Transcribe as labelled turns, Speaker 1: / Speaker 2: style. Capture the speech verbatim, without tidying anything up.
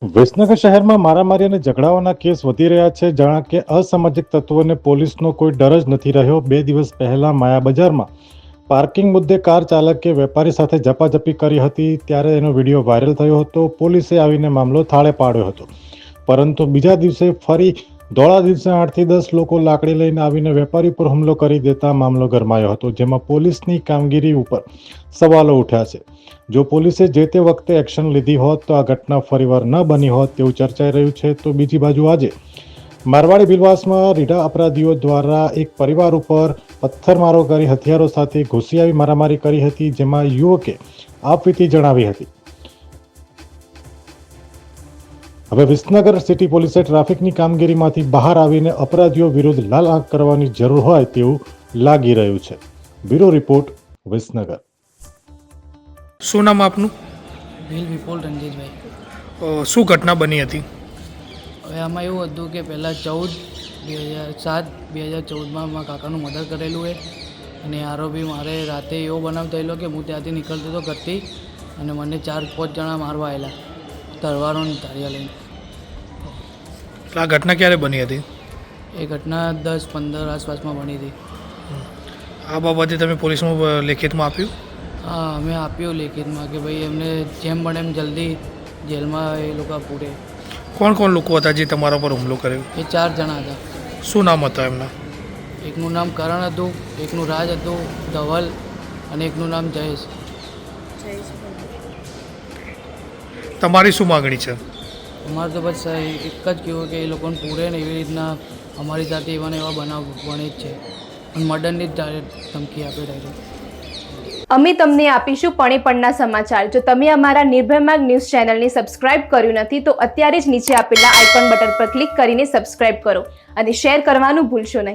Speaker 1: વિસનગર શહેરમાં મારામારી અને ઝઘડાઓના કેસ વધી રહ્યા છે. જાણે કે અસામાજિક તત્વોને પોલીસનો કોઈ ડર જ નથી રહ્યો. બે દિવસ પહેલા માયા બજારમાં પાર્કિંગ મુદ્દે કાર ચાલકે વેપારી સાથે ઝપાઝપી કરી હતી, ત્યારે એનો વિડીયો વાયરલ થયો હતો. પોલીસે આવીને મામલો થાળે પાડ્યો હતો, પરંતુ બીજા દિવસે ફરી ધોળા દિવસે આઠથી દસ લોકો લાકડી લઈને આવીને વેપારી પર હુમલો કરી દેતા મામલો ગરમાયો હતો, જેમાં પોલીસની કામગીરી ઉપર સવાલો ઉઠ્યા છે. જો પોલીસે જે તે વખતે એક્શન લીધી હોત તો આ ઘટના ફરીવાર ન બની હોત તેવું ચર્ચાઈ રહ્યું છે. તો બીજી બાજુ આજે મારવાડી બિલવાસમાં રીઢા અપરાધીઓ દ્વારા એક પરિવાર ઉપર પથ્થરમારો કરી હથિયારો સાથે ઘૂસી આવી મારામારી કરી હતી, જેમાં યુવકે આપવીતી જણાવી હતી. હવે વિસનગર સિટી પોલીસે ટ્રાફિકની કામગીરીમાંથી બહાર આવીને અપરાધીઓ વિરુદ્ધ લાલ આંખ કરવાની જરૂર હોય તેવું લાગી રહ્યું છે. Bureau report, Visnagar.
Speaker 2: શું નામ આપનું?
Speaker 3: ભીલ વિપુલ રણજીતભાઈ.
Speaker 2: અ, શું ઘટના બની હતી?
Speaker 3: હવે આમાં એવું હતું કે પહેલાં ચૌદ બે હજાર સાત બે હજાર ચૌદમાં મારા કાકાનું મર્ડર કરેલું છે, અને આરોપી મારે રાતે એવો બનાવ થયેલો કે હું ત્યાંથી નીકળતો હતો ઘરથી, અને મને ચાર પાંચ જણા મારવા આવેલા તલવારો ને ધારિયા લઈને.
Speaker 2: આ ઘટના ક્યારે બની હતી?
Speaker 3: એ ઘટના દસ પંદર આસપાસમાં બની હતી.
Speaker 2: આ બાબતે તમે પોલીસમાં લેખિતમાં આપ્યું?
Speaker 3: હા, અમે આપ્યું લેખિતમાં કે ભાઈ એમને જેમ બને એમ જલ્દી જેલમાં એ લોકો પૂરે.
Speaker 2: કોણ કોણ લોકો હતા જે તમારા પર હુમલો કર્યો?
Speaker 3: એ ચાર જણા હતા.
Speaker 2: શું નામ હતા એમના?
Speaker 3: એકનું નામ કરણ હતું, એકનું રાજ હતું, ધવલ, અને એકનું નામ જયેશ.
Speaker 2: તમારી શું માગણી છે?
Speaker 3: અમારે તો બસ એક જ કહેવું કે એ લોકોને પૂરે ને એવી રીતના અમારી સાથે એવા ને એવા બનાવ બને જ છે, અને મર્ડરની જ ડાયરેક્ટ ધમકી આપે ડાયરેક્ટ.
Speaker 4: અમે તમને આપીશું પળે પળના સમાચાર. જો તમે અમારા નિર્ભય માર્ગ ન્યૂઝ ચેનલને સબસ્ક્રાઇબ કર્યું નથી તો અત્યારે જ નીચે આપેલા આઇકોન બટન પર ક્લિક કરીને સબસ્ક્રાઇબ કરો અને શેર કરવાનું ભૂલશો નહીં.